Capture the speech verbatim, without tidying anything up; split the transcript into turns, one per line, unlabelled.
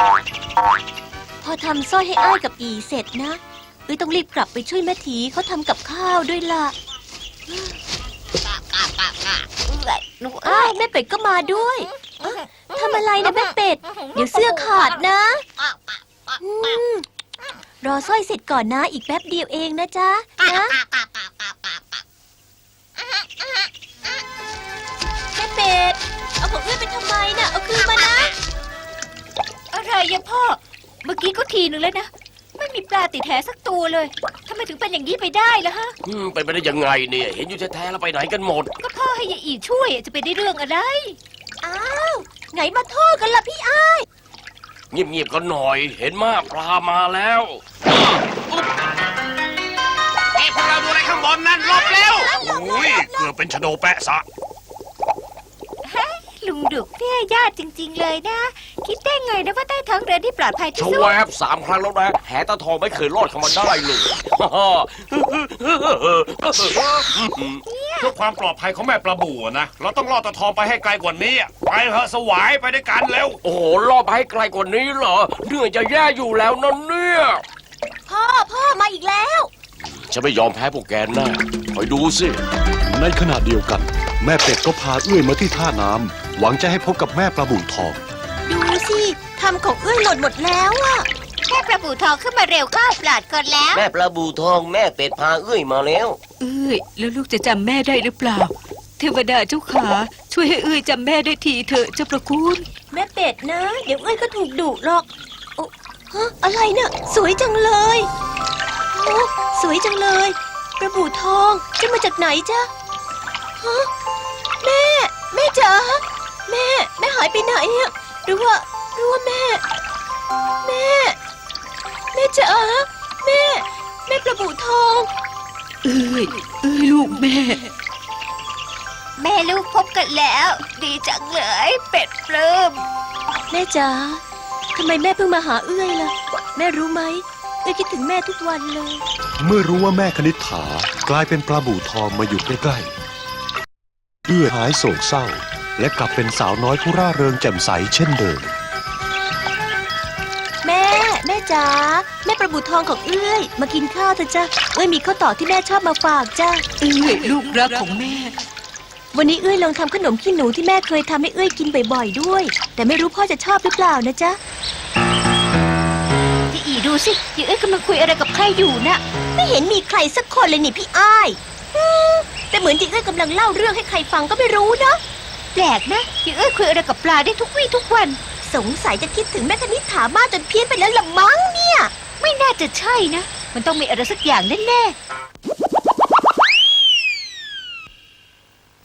พอทำสร้อยให้อ้ายกับอีเสร็จนะเอ้ยต้องรีบกลับไปช่วยแม่ทีเขาทำกับข้าวด้วยล่ะอ้าวแม่เป็ดก็มาด้วยทำอะไรนะแม่เป็ดเดี๋ยวเสื้อขาดนะรอสร้อยเสร็จก่อนนะอีกแป๊บเดียวเองนะจ๊ะนะแม่เป็ดเอาของเอื้อไปทำไมน่ะเอาคืนมานะ
อะไรยังพ่อเมื่อกี้ก็ทีนึงแล้วนะไม่มีปลาติดแหสักตัวเลยทำไมถึงเป็นอย่างนี้ไปได้ล่ะฮะ
อืมเป็นไปได้ยังไงเนี่ยเห็นอยู่แท้ๆแล้วไปไหนกันหมด
ก็พ่อให้ยายอีช่วยจะไปได้เรื่องอะไร
อ้าวไหนมาโทษกันล่ะพี่อ้าย
เงียบๆกันหน่อยเห็นมากปลามาแล้ว
เอ้พวกเราดูอะไรข้างบนนั่นหลบเร็วโอ้ยเกือบเป็นชะโดแปะซะ
ลุงดุกเนี่ยญาติจริงๆเลยนะคิดได้ไงนะว่าใต้ท้องเรือที่ปลอดภัยที่สุด
ชวบสามครั้งแล้วนะแหตาทองไม่เคยรอดเข้ามาได้เลย
เพื่อความปลอดภัยของแม่ปลาบู่นะเราต้องล่อตาทองไปให้ไกลกว่านี้ไปเถอะสวายไปด้วยกันเร็ว
โอ้โหล่อไปให้ไกลกว่านี้เหรอเหนื่อยจะแย่อยู่แล้วนั่นเนี่ย
พ่อพ่อมาอีกแล้ว
ฉันไม่ยอมแพ้พวกแกแน่คอยดูสิ
ในขณะเดียวกันแม่เป็ดก็พาเอื้อยมาที่ท่าน้ำหวังจะให้พบกับแม่ปลาบู่ทอง
ดูสิทำของเอื้อยหล่นหมดแล้วอะ
แม่ปลาบู่ทองขึ้นมาเร็วเข้าปลอดก่อนแล้ว
แม่ปลาบู่ทองแม่เป็ดพาเอื้อยมาแล้ว
เอื้อยแล้วลูกจะจำแม่ได้หรือเปล่าเทวดาเจ้าขาช่วยให้เอื้อยจำแม่ได้ทีเถอะเจ้าประคุณ
แม่เป็ดนะเดี๋ยวเอื้อยก็ถูกดุหรอกโอ้ฮะอะไรเนี่ยสวยจังเลยโอ้สวยจังเลยปลาบู่ทองจะมาจากไหนจ๊ะฮะแม่แม่จ๋าแม่แม่หายไปไหนอะหรือว่าหรือว่าแม่แม่แม่จ๋าแม่แม่ปลาบู่ทอง
เอ้ยเอ้ยลูกแม่
แม่ลูกพบกันแล้วดีจังเลยเป็ดปลื้ม
แม่จ๋าทำไมแม่เพิ่งมาหาเอื้อยล่ะแม่รู้ไหมเอื้อยคิดถึงแม่ทุกวันเลย
เมื่อรู้ว่าแม่คณิษฐากลายเป็นปลาบู่ทองมาอยู่ใกล้ๆเอื้อยหายโศกเศร้าและกลับเป็นสาวน้อยผู้ร่าเริงแจ่มใสเช่นเดิม
แม่แม่จ๋าแม่ปลาบู่ทองของเอื้อยมากินข้าวเถอะจ้ะเอื้อยมีข้าวต่อที่แม่ชอบมาฝากจ้ะ
เอื้อยลูกรักของแม่
วันนี้เอื้อยลองทำขนมขี้หนูที่แม่เคยทำให้เอื้อยกินบ่อยๆด้วยแต่ไม่รู้พ่อจะชอบหรือเปล่านะจ๊ะ
พี่อีดูสิยายเอื้อยกำลังคุยอะไรกับใครอยู่น่ะ
ไม่เห็นมีใครสักคนเลยนี่พี่อ้ายแต่เหมือนยายเอื้อยกำลังเล่าเรื่องให้ใครฟังก็ไม่รู้นะ
แปลกนะยายเอื้อยคุยอะไรกับปลาได้ทุกวี่ทุกวัน
สงสัยจะคิดถึงแม่คณิษฐามากจนเพี้ยนไปแล้วละมั้งเนี่ย
ไม่น่าจะใช่นะมันต้องมีอะไรสักอย่างแน่ๆ